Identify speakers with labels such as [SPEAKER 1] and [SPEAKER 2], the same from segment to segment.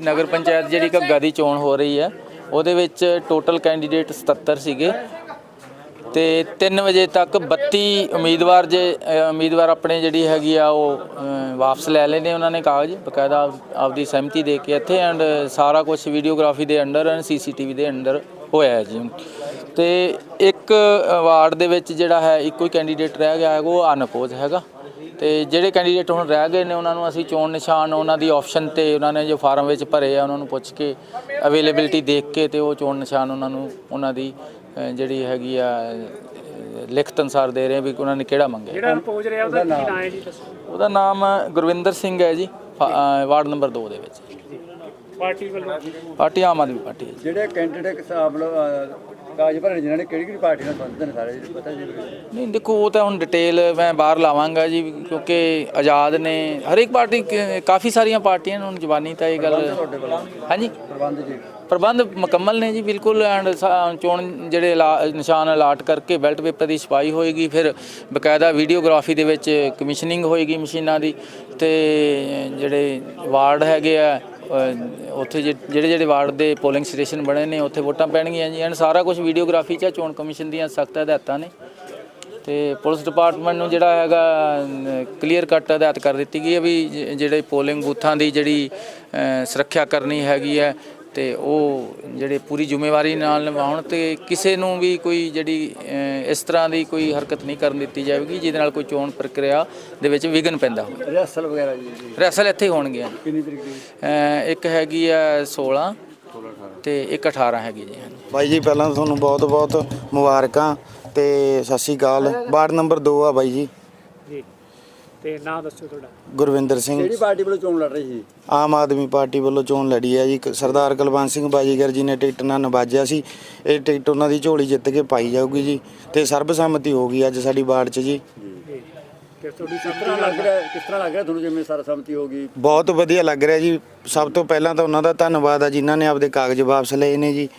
[SPEAKER 1] ਨਗਰ ਪੰਚਾਇਤ ਜਿਹੜੀ ਘੱਗਾ ਦੀ ਚੋਣ ਹੋ ਰਹੀ ਹੈ ਉਹਦੇ ਵਿੱਚ ਟੋਟਲ ਕੈਂਡੀਡੇਟ 77 ਸੀਗੇ ਤੇ 3 ਵਜੇ ਤੱਕ 32 ਉਮੀਦਵਾਰ ਆਪਣੇ ਜਿਹੜੀ ਹੈਗੀ ਆ ਉਹ ਵਾਪਸ ਲੈ ਲੈਣੇ ਉਹਨਾਂ ਨੇ ਕਾਗਜ਼ ਬਕਾਇਦਾ ਆਪਦੀ ਸਹਿਮਤੀ ਦੇ ਕੇ ਇੱਥੇ ਐਂਡ ਸਾਰਾ ਕੁਝ ਵੀਡੀਓਗ੍ਰਾਫੀ ਦੇ ਅੰਡਰ ਐਂਡ CCTV ਦੇ ਅੰਡਰ ਹੋਇਆ ਜੀ। ਤੇ ਇੱਕ ਵਾਰਡ ਦੇ ਵਿੱਚ ਜਿਹੜਾ ਹੈ ਇੱਕੋ ਹੀ ਕੈਂਡੀਡੇਟ ਰਹਿ ਗਿਆ ਹੈਗਾ, ਉਹ ਅਨਅਪੋਜ਼ ਹੈਗਾ। ਤੇ ਜਿਹੜੇ ਕੈਂਡੀਡੇਟ ਹੁਣ ਰਹਿ ਗਏ ਨੇ ਉਹਨਾਂ ਨੂੰ ਅਸੀਂ ਚੋਣ ਨਿਸ਼ਾਨ ਉਹਨਾਂ ਦੀ ਆਪਸ਼ਨ ਤੇ ਉਹਨਾਂ ਨੇ ਜੋ ਫਾਰਮ ਵਿੱਚ ਭਰੇ ਆ ਉਹਨਾਂ ਨੂੰ ਪੁੱਛ ਕੇ ਅਵੇਲੇਬਿਲਟੀ ਦੇਖ ਕੇ ਤੇ ਉਹ ਚੋਣ ਨਿਸ਼ਾਨ ਉਹਨਾਂ ਦੀ ਜਿਹੜੀ ਹੈਗੀ ਆ ਲਿਖਤ ਅਨੁਸਾਰ ਦੇ ਰਹੇ ਵੀ ਉਹਨਾਂ ਨੇ ਕਿਹੜਾ ਮੰਗਿਆ।
[SPEAKER 2] ਜਿਹੜਾ ਅਨਪੋਜ਼ ਰਿਹਾ ਉਹਦਾ ਕੀ ਨਾਮ ਹੈ ਜੀ?
[SPEAKER 1] ਉਹਦਾ ਨਾਮ ਗੁਰਵਿੰਦਰ ਸਿੰਘ ਹੈ ਜੀ, ਵਾਰਡ ਨੰਬਰ 2 ਦੇ ਵਿੱਚ।
[SPEAKER 2] ਪਾਰਟੀ ਵੱਲੋਂ?
[SPEAKER 1] ਪਾਰਟੀ ਆਮ ਆਦਮੀ ਪਾਰਟੀ ਹੈ।
[SPEAKER 3] ਜਿਹੜੇ ਕੈਂਡੀਡੇਟ ਕਾਗਜ਼ ਭਰੇ ਜਿਨ੍ਹਾਂ ਨੇ ਕਿਹੜੀ ਪਾਰਟੀ ਨਾਲ ਸੰਬੰਧਿਤ ਨੇ ਸਾਰੇ ਪਤਾ ਜੀ? ਨਹੀਂ
[SPEAKER 1] ਦੇਖੋ ਉਹ ਤਾਂ ਹੁਣ ਡਿਟੇਲ ਮੈਂ ਬਾਹਰ ਲਾਵਾਂਗਾ ਜੀ ਕਿਉਂਕਿ ਆਜ਼ਾਦ ਨੇ ਹਰੇਕ ਪਾਰਟੀ, ਕਾਫੀ ਸਾਰੀਆਂ ਪਾਰਟੀਆਂ ਹੁਣ ਜ਼ਬਾਨੀ ਤਾਂ ਇਹ ਗੱਲ। ਹਾਂਜੀ ਪ੍ਰਬੰਧ ਮੁਕੰਮਲ ਨੇ ਜੀ ਬਿਲਕੁਲ। ਐਂਡ ਚੋਣ ਜਿਹੜੇ ਨਿਸ਼ਾਨ ਅਲਾਟ ਕਰਕੇ ਬੈਲਟ ਪੇਪਰ ਦੀ ਛਪਾਈ ਹੋਏਗੀ, ਫਿਰ ਬਕਾਇਦਾ ਵੀਡੀਓਗ੍ਰਾਫੀ ਦੇ ਵਿੱਚ ਕਮਿਸ਼ਨਿੰਗ ਹੋਏਗੀ ਮਸ਼ੀਨਾਂ ਦੀ। ਤੇ ਜਿਹੜੇ ਵਾਰਡ ਹੈਗੇ ਆ ਉੱਥੇ ਜਿਹੜੇ ਵਾਰਡ ਦੇ ਪੋਲਿੰਗ ਸਟੇਸ਼ਨ ਬਣੇ ਨੇ ਉੱਥੇ ਵੋਟਾਂ ਪੈਣਗੀਆਂ ਜੀ। ਐਂਡ ਸਾਰਾ ਕੁਝ ਵੀਡੀਓਗ੍ਰਾਫੀ 'ਚ ਚੋਣ ਕਮਿਸ਼ਨ ਦੀਆਂ ਸਖਤ ਹਦਾਇਤਾਂ ਨੇ ਤੇ ਪੁਲਿਸ ਡਿਪਾਰਟਮੈਂਟ ਨੂੰ ਜਿਹੜਾ ਹੈਗਾ ਕਲੀਅਰ ਕੱਟ ਹਦਾਇਤ ਕਰ ਦਿੱਤੀ ਗਈ ਹੈ ਵੀ ਜਿਹੜੇ ਪੋਲਿੰਗ ਬੂਥਾਂ ਦੀ ਜਿਹੜੀ ਸੁਰੱਖਿਆ ਕਰਨੀ ਹੈਗੀ ਹੈ ਤੇ ਉਹ ਜਿਹੜੇ ਪੂਰੀ ਜ਼ਿੰਮੇਵਾਰੀ ਨਾਲ ਨਿਭਾਉਣ ਤੇ ਕਿਸੇ ਨੂੰ ਵੀ ਕੋਈ ਜਿਹੜੀ ਇਸ ਤਰ੍ਹਾਂ ਦੀ ਕੋਈ ਹਰਕਤ ਨਹੀਂ ਕਰਨ ਦਿੱਤੀ ਜਾਵੇਗੀ ਜਿਹਦੇ ਨਾਲ ਕੋਈ ਚੋਣ ਪ੍ਰਕਿਰਿਆ ਦੇ ਵਿੱਚ ਵਿਘਨ ਪੈਂਦਾ ਹੋਵੇ।
[SPEAKER 3] ਰਿਹਰਸਲ ਵਗੈਰਾ ਜੀ? ਰਿਹਰਸਲ
[SPEAKER 1] ਇੱਥੇ ਹੋਣਗੀਆਂ।
[SPEAKER 3] ਕਿੰਨੀ ਤਰੀਕ ਦੀ?
[SPEAKER 1] ਇੱਕ ਹੈਗੀ ਆ 16 ਤੇ ਇੱਕ 18 ਹੈਗੀ ਜੀ।
[SPEAKER 4] ਬਾਈ ਜੀ ਪਹਿਲਾਂ ਤੁਹਾਨੂੰ ਬਹੁਤ ਬਹੁਤ ਮੁਬਾਰਕਾਂ ਤੇ ਸਤਿ ਸ਼੍ਰੀ ਅਕਾਲ। ਵਾਰਡ ਨੰਬਰ 2 ਆ ਬਾਈ ਜੀ।
[SPEAKER 2] ਤੇ ਨਾਮ ਦੱਸੋ ਤੁਹਾਡਾ?
[SPEAKER 4] ਗੁਰਵਿੰਦਰ ਸਿੰਘ।
[SPEAKER 3] ਕਿਹੜੀ ਪਾਰਟੀ ਵੱਲੋਂ ਚੋਣ ਲੜ ਰਹੀ ਸੀ?
[SPEAKER 4] ਆਮ ਆਦਮੀ ਪਾਰਟੀ ਵੱਲੋਂ ਚੋਣ ਲੜੀ ਹੈ ਜੀ। ਸਰਦਾਰ ਕੁਲਵੰਤ ਸਿੰਘ ਬਾਜੀਗਰ ਜੀ ਨੇ ਟਿਕਟ ਨਾਲ ਨਵਾਜਿਆ ਸੀ। ਇਹ ਟਿਕਟ ਉਹਨਾਂ ਦੀ ਝੋਲੀ ਜਿੱਤ ਕੇ ਪਾਈ ਜਾਊਗੀ ਜੀ ਤੇ ਸਰਬਸੰਮਤੀ ਹੋ ਗਈ ਅੱਜ ਸਾਡੀ ਵਾਰਡ 'ਚ ਜੀ।
[SPEAKER 3] ਕਿਸ ਤਰ੍ਹਾਂ ਲੱਗ ਰਿਹਾ ਤੁਹਾਨੂੰ ਜਿਵੇਂ ਸਰਬਸੰਮਤੀ ਹੋ ਗਈ? ਬਹੁਤ
[SPEAKER 4] ਵਧੀਆ ਲੱਗ ਰਿਹਾ ਜੀ। ਸਭ ਤੋਂ ਪਹਿਲਾਂ ਤਾਂ ਉਹਨਾਂ ਦਾ ਧੰਨਵਾਦ ਆ ਜਿਨ੍ਹਾਂ ਨੇ ਆਪਦੇ ਕਾਗਜ਼ ਵਾਪਸ ਲਏ ਨੇ ਜੀ।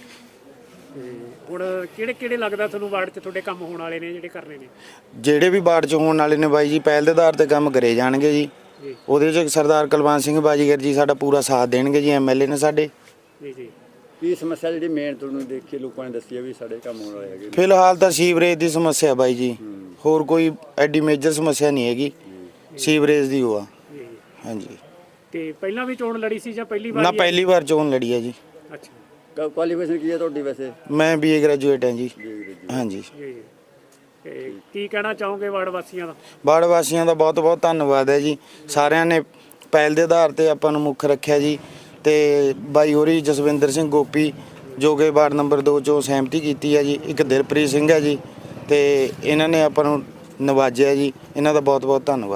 [SPEAKER 2] ਹੁਣ ਕਿਹੜੇ ਲੱਗਦਾ ਤੁਹਾਨੂੰ ਵਾਰਡ 'ਚ ਤੁਹਾਡੇ ਕੰਮ ਹੋਣ ਵਾਲੇ ਨੇ ਜਿਹੜੇ ਕਰਨੇ ਨੇ?
[SPEAKER 4] ਜਿਹੜੇ ਵੀ ਵਾਰਡ 'ਚ ਹੋਣ ਵਾਲੇ ਨੇ ਬਾਈ ਜੀ ਪਹਿਲ ਦੇ ਆਧਾਰ 'ਤੇ ਕੰਮ ਕਰੇ ਜਾਣਗੇ ਜੀ। ਉਹਦੇ 'ਚ ਸਰਦਾਰ ਕੁਲਵੰਤ ਸਿੰਘ ਬਾਜੀਗਰ ਜੀ ਸਾਡਾ ਪੂਰਾ ਸਾਥ ਦੇਣਗੇ ਜੀ। MLA ਨੇ ਸਾਡੇ।
[SPEAKER 2] ਜੀ
[SPEAKER 3] ਕੀ ਸਮੱਸਿਆ ਜਿਹੜੀ ਮੇਨ ਤੁਹਾਨੂੰ ਦੇਖ ਕੇ ਲੋਕਾਂ ਨੇ ਦੱਸੀ ਹੈ ਵੀ ਸਾਡੇ ਕੰਮ ਹੋਣ ਵਾਲੇ ਹੈਗੇ?
[SPEAKER 4] ਫਿਲਹਾਲ ਤਾਂ ਸੀਵਰੇਜ ਦੀ ਸਮੱਸਿਆ ਬਾਈ ਜੀ, ਹੋਰ ਕੋਈ ਐਡੀ ਮੇਜਰ ਸਮੱਸਿਆ ਨਹੀਂ ਹੈਗੀ। ਸੀਵਰੇਜ ਦੀ ਉਹ ਆ। ਹਾਂਜੀ।
[SPEAKER 2] ਤੇ ਪਹਿਲਾਂ ਵੀ ਚੋਣ ਲੜੀ ਸੀ ਜਾਂ ਪਹਿਲੀ ਵਾਰ?
[SPEAKER 4] ਨਾ ਪਹਿਲੀ ਵਾਰ ਚੋਣ ਲੜੀ ਹੈ ਜੀ।
[SPEAKER 2] ਅੱਛਾ।
[SPEAKER 3] ਕੁਆਲੀਫਿਕੇਸ਼ਨ ਕੀ ਹੈ ਤੁਹਾਡੀ ਵੈਸੇ?
[SPEAKER 4] ਮੈਂ BA ਗ੍ਰੈਜੂਏਟ ਹਾਂ ਜੀ। ਹਾਂਜੀ।
[SPEAKER 2] ਤੇ ਕੀ ਕਹਿਣਾ ਚਾਹੋਗੇ ਵਾਰਡ ਵਾਸੀਆਂ ਦਾ?
[SPEAKER 4] ਵਾਰਡ ਵਾਸੀਆਂ ਦਾ ਬਹੁਤ ਬਹੁਤ ਧੰਨਵਾਦ ਹੈ ਜੀ। ਸਾਰਿਆਂ ਨੇ ਪਹਿਲ ਦੇ ਆਧਾਰ 'ਤੇ ਆਪਾਂ ਨੂੰ ਮੁੱਖ ਰੱਖਿਆ ਜੀ। ਤੇ ਬਾਈ ਹੋਰੀ ਜਸਵਿੰਦਰ ਸਿੰਘ ਗੋਪੀ ਜੋ ਕਿ ਵਾਰਡ ਨੰਬਰ 2 'ਚੋਂ ਸਹਿਮਤੀ ਕੀਤੀ ਹੈ ਜੀ। ਇੱਕ ਦਿਲਪ੍ਰੀਤ ਸਿੰਘ ਹੈ ਜੀ ਤੇ ਇਹਨਾਂ ਨੇ ਆਪਾਂ ਨੂੰ ਨਵਾਜਿਆ ਜੀ। ਇਹਨਾਂ ਦਾ ਬਹੁਤ ਬਹੁਤ ਧੰਨਵਾਦ।